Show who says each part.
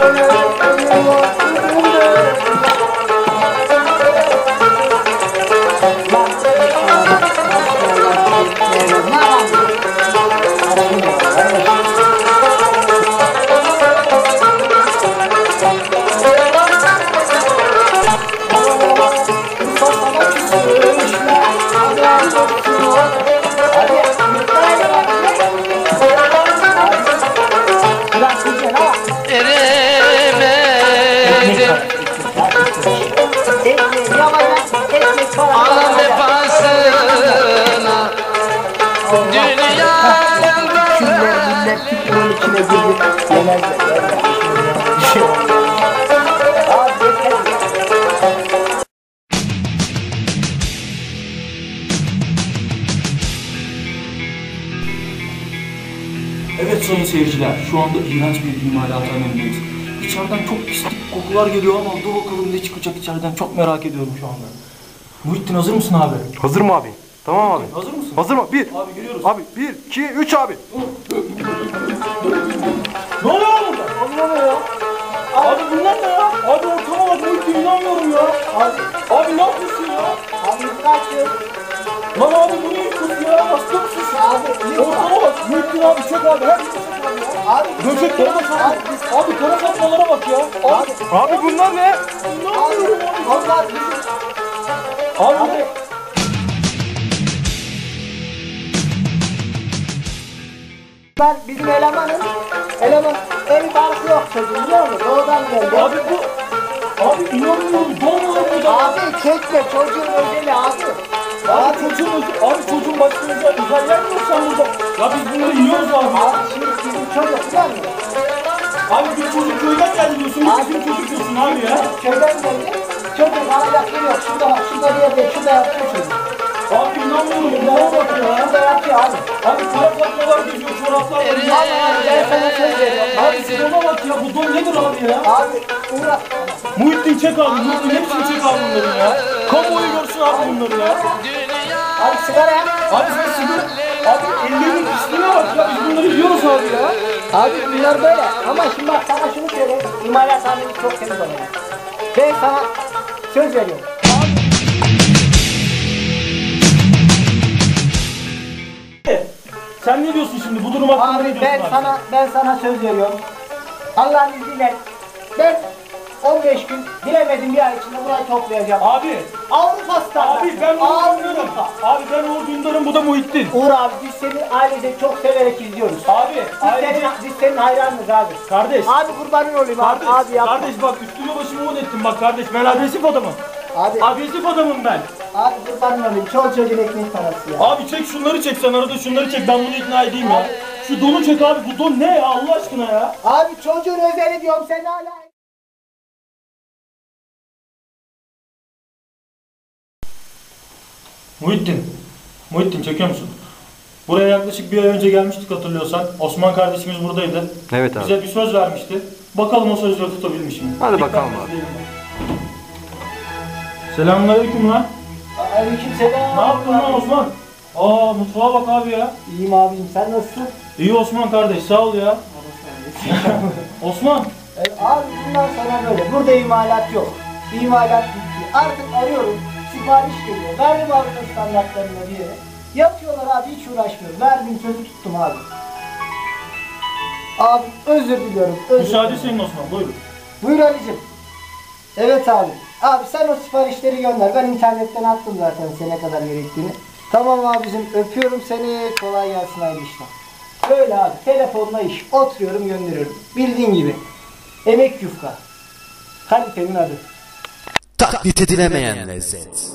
Speaker 1: Alan vefasına dünyanın
Speaker 2: millet Türk'ün içine girip yemezler.
Speaker 3: Evet sayın seyirciler, şu anda iğrenç bir imalathanedeyiz. İçeriden çok pislik kokular geliyor ama dur bakalım ne çıkacak içeriden, çok merak ediyorum şu anda. Muhittin hazır mısın abi?
Speaker 4: Hazırım abi. Tamam abi.
Speaker 3: Hazır mısın?
Speaker 4: Hazır mı? Bir.
Speaker 3: Abi giriyoruz.
Speaker 4: Abi 1, 2, 3 abi.
Speaker 3: Ne oluyor burada? Abi ne oluyor ya? Abi bunlar ne ya? Abi ortama bak Muhittin, inanmıyorum ya. Abi ne yapıyorsun ya?
Speaker 2: Abi kaçıyor.
Speaker 3: Lan abi bu ne yapıyorsun ya? Hasta mısın sen?
Speaker 2: Abi
Speaker 3: Ortama bak Muhittin abi, çek abi. Her şey çek abi ya.
Speaker 2: Abi
Speaker 3: Böceklere bak abi. Abi kara fatmalara bak ya.
Speaker 4: Abi bunlar ne?
Speaker 3: İnanmıyorum abi.
Speaker 2: onlar bizim.
Speaker 3: Abi.
Speaker 2: Ben bizim eleman ev barkı yok çocuğum, biliyor musun? Doğudan geldi.
Speaker 3: Abi bu... Abi inanmıyorum. Doğmalar burada.
Speaker 2: Abi çekme, çocuğun özeli abi.
Speaker 3: Abi çocuğun başına özel yer mi yok sen burada? Ya biz bunları yiyoruz abi.
Speaker 2: Abi şimdi bizim çocuk biliyor musun?
Speaker 3: Abi bir çocuk köyden geldi diyorsun.
Speaker 2: Abi.
Speaker 3: Bizim çocuk diyorsun abi ya.
Speaker 2: Köyden geldi. Çocuk alacak yeri yok. Şurada bak, şurada bir yerde, şurada yapıyor çocuk.
Speaker 3: Abi inanmıyorum. Buna bak ya.
Speaker 2: Şurada yapıyor abi.
Speaker 3: Abi kara fatmalar geziyor, çoraplar var.
Speaker 2: Abi ben sana söz veriyorum.
Speaker 3: Abi şu dona bak ya. Bu don nedir abi ya?
Speaker 2: Abi uğraş.
Speaker 3: Muhittin çek abi. Muhittin hepsini çek abi bunların ya. Kamuoyu görsün abi bunları ya.
Speaker 2: Abi sigara yap.
Speaker 3: Abi sen sigara... Abi ellerinin pisliğine bak ya. Biz bunları yiyoruz abi ya.
Speaker 2: Abi bunlar böyle. Ama şimdi bak sana şunu söyleyeyim. İmalathanemiz çok temiz olacak. Ben sana söz veriyorum.
Speaker 3: Sen ne diyorsun şimdi? Bu durum hakkında ne
Speaker 2: Abi
Speaker 3: diyorsun
Speaker 2: ben sana söz veriyorum. Allah'ın izniyle ben 15 gün, bilemedim bir ay içinde burayı toplayacağım.
Speaker 3: Abi.
Speaker 2: Avrupa standartı.
Speaker 3: Abi ben Uğur Dündar'ım. Abi ben Uğur Dündar'ım, bu da Muhittin.
Speaker 2: Uğur abi, biz seni ailece çok severek izliyoruz.
Speaker 3: Abi
Speaker 2: Biz senin hayranınız abi.
Speaker 3: kardeş.
Speaker 2: Abi kurbanın olayım abi.
Speaker 3: Kardeş,
Speaker 2: Abi yapma.
Speaker 3: kardeş bak üstüme başımı un ettim bak kardeş, ben agresif adamım.
Speaker 2: Abi,
Speaker 3: Agresif adamım ben.
Speaker 2: abi kurbanın olayım. Çol çocuğun ekmek parası ya.
Speaker 3: Abi çek şunları, çek sen arada şunları çek, ben bunu ikna edeyim ya. Şu donu çek abi, bu don ne ya Allah aşkına ya.
Speaker 2: Abi çocuğun özeli diyorum, sen hala...
Speaker 3: Muhittin çekiyor musun? Buraya yaklaşık bir ay önce gelmiştik hatırlıyorsan. Osman kardeşimiz buradaydı.
Speaker 4: Evet abi.
Speaker 3: Bize bir söz vermişti. Bakalım o sözleri tutabilmiş mi?
Speaker 4: Hadi
Speaker 3: Dikkat
Speaker 4: bakalım abi.
Speaker 3: izleyelim. Selamünaleyküm lan.
Speaker 2: Aleykümselam.
Speaker 3: Ne yaptın lan Osman? Aa mutfağa bak abi ya.
Speaker 2: İyiyim abim, sen nasılsın?
Speaker 3: İyi Osman kardeş, sağ ol ya. Osman.
Speaker 2: Abi bundan sonra böyle. Burada imalat yok. İmalat bitti. Artık arıyorum. Sipariş geliyor. Verdim Avrupa standartlarına bir yere. Yapıyorlar abi, hiç uğraşmıyorum. Verdim, sözü tuttum abi. Abi özür diliyorum.
Speaker 3: Müsaade senin Osman, buyurun.
Speaker 2: Buyur Ali'cim. Evet abi. Abi sen o siparişleri gönder. Ben internetten attım zaten sene kadar gerektiğini. Tamam abicim, öpüyorum seni. Kolay gelsin, hayırlı işler. Böyle abi, telefonla iş. Oturuyorum, gönderiyorum. Bildiğin gibi. Emek yufka. Kalitenin adı.
Speaker 5: Taklit edilemeyen lezzet.